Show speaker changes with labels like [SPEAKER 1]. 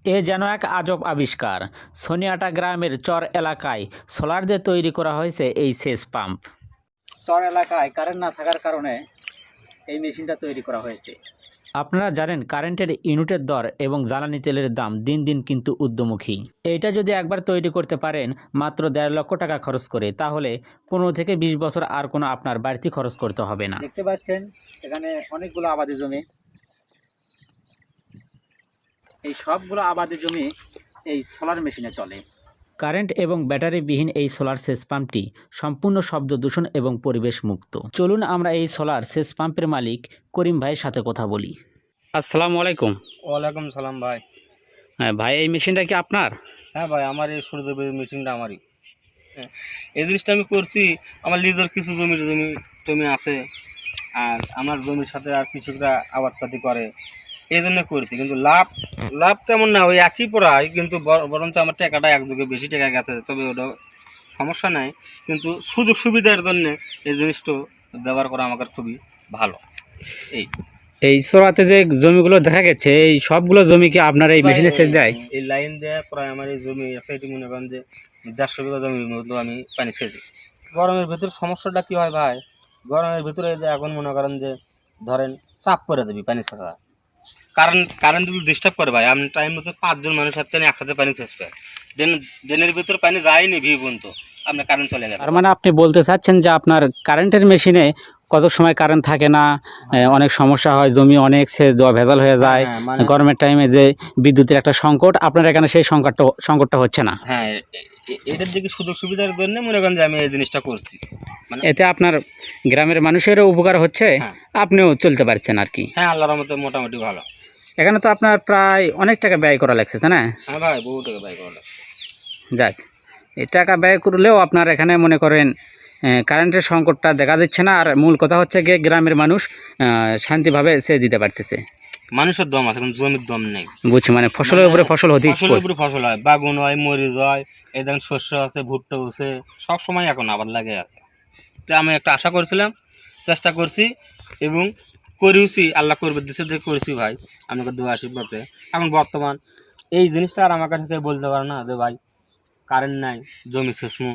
[SPEAKER 1] এ যেন এক আজব আবিষ্কার। সোনিয়াটা গ্রামের চর এলাকায় সোলার দিয়ে তৈরি করা হয়েছে এই সেচ পাম্প। চর এলাকায় কারেন্ট না থাকার কারণে এই মেশিনটা তৈরি করা হয়েছে। আপনারা জানেন কারেন্টের ইউনিটের দর এবং জ্বালানি তেলের দাম দিন দিন কিন্তু ঊর্ধ্বমুখী। এইটা যদি একবার তৈরি করতে পারেন মাত্র 1.5 লক্ষ টাকা খরচ করে, তাহলে 15 থেকে 20 বছর আর কোনো আপনার বাড়তি খরচ করতে হবে না। দেখতে পাচ্ছেন এখানে অনেকগুলো আবাদি জমি। এই সবগুলো আবাদি জমি এই সোলার মেশিনে চলে। কারেন্ট এবং ব্যাটারিবিহীন এই সোলার সেচ পাম্পটি সম্পূর্ণ শব্দ দূষণ এবং পরিবেশ মুক্ত। চলুন আমরা এই সোলার সেচ পাম্পের মালিক করিম ভাইয়ের সাথে কথা বলি। আসসালামু আলাইকুম।
[SPEAKER 2] ওয়ালাইকুম সালাম ভাই।
[SPEAKER 1] হ্যাঁ ভাই, এই মেশিনটা কি আপনার?
[SPEAKER 2] হ্যাঁ ভাই, আমার এই সূর্য মেশিনটা আমারই। হ্যাঁ, এই জিনিসটা আমি করছি। আমার নিজের কিছু জমি আছে, আর আমার জমির সাথে আর কৃষকরা আবাদপাতি করে, এই জন্য করছি। কিন্তু লাভ তেমন না, ওই একই পড়ায়, কিন্তু বরঞ্চ আমার টাকাটা একযোগে বেশি টাকা গেছে। তবে ওটা সমস্যা নাই, কিন্তু সুযোগ সুবিধার জন্য এই জিনিসটা ব্যবহার করা আমার খুবই ভালো।
[SPEAKER 1] এই সোলাতে যে জমিগুলো দেখা গেছে, এই সবগুলো জমি কি আপনার এই মেশিনে সেচ দেয়?
[SPEAKER 2] এই লাইন দেওয়া প্রায় আমার এই জমি আছে, এটি মনে করেন যে 150 বিঘা জমির মতো আমি পানি সেচি। গরমের ভিতর সমস্যাটা কি হয় ভাই, গরমের ভিতরে এখন মনে করেন যে ধরেন চাপ করে দেবি পানি সেচা, কারেন্ট যদি ডিস্টার্ব করে ভাই, আপনি টাইম মতো 5 জন মানুষ হচ্ছে না একসাথে পানি সেচবে, ড্রেনের ভিতর পানি যায়নি ভি পর্যন্ত আপনার কারেন্ট চলে গেছে।
[SPEAKER 1] তার মানে আপনি বলতে চাচ্ছেন যে আপনার কারেন্টের মেশিনে কত সময় কারেন্ট থাকে না, অনেক সমস্যা হয়, জমি অনেক সেচ দেওয়া ভেজাল হয়ে যায়।
[SPEAKER 2] মানে
[SPEAKER 1] গরমের টাইমে যে বিদ্যুতের একটা সংকট, আপনার এখানে সেই সংকটটা হচ্ছে না।
[SPEAKER 2] হ্যাঁ, এটার দিকে সুযোগ সুবিধার জন্য মনে করেন যে আমি এই জিনিসটা করছি। মানে
[SPEAKER 1] এতে আপনার গ্রামের মানুষেরও উপকার হচ্ছে, আপনিও চলতে পারছেন আর কি।
[SPEAKER 2] হ্যাঁ, আল্লাহর রহমতে মোটামুটি ভালো।
[SPEAKER 1] এখানে তো আপনার প্রায় অনেক টাকা ব্যয় করা লাগছে, না?
[SPEAKER 2] হ্যাঁ ভাই, বহু টাকা ব্যয় করা লাগছে।
[SPEAKER 1] যাক, এই টাকা ব্যয় করলেও আপনার এখানে মনে করেন কারেন্টের সংকটটা দেখা দিচ্ছে না। আর মূল কথা হচ্ছে গিয়ে গ্রামের মানুষ শান্তিভাবে সেচ দিতে পারতেছে।
[SPEAKER 2] মানুষের দম আছে, কিন্তু জমির দম নেই।
[SPEAKER 1] বুঝছি, মানে ফসলের উপরে ফসল হতে
[SPEAKER 2] ফসলের উপরে ফসল হয়, বাগুন হয়, মরিচ হয়, এই দেখেন শস্য আছে, ভুট্টা আছে, সব সময় এখন আবার লাগে আছে। তো আমি একটা আশা করছিলাম, চেষ্টা করছি এবং করেওছি, আল্লাহ করবে দিছে দিয়ে করেছি ভাই, আমাকে দোয়া আশীর্বাদে। এখন বর্তমান এই জিনিসটা আর আমার কাছে কেউ বলতে পারে না যে ভাই কারেন্ট নাই, জমি শেষ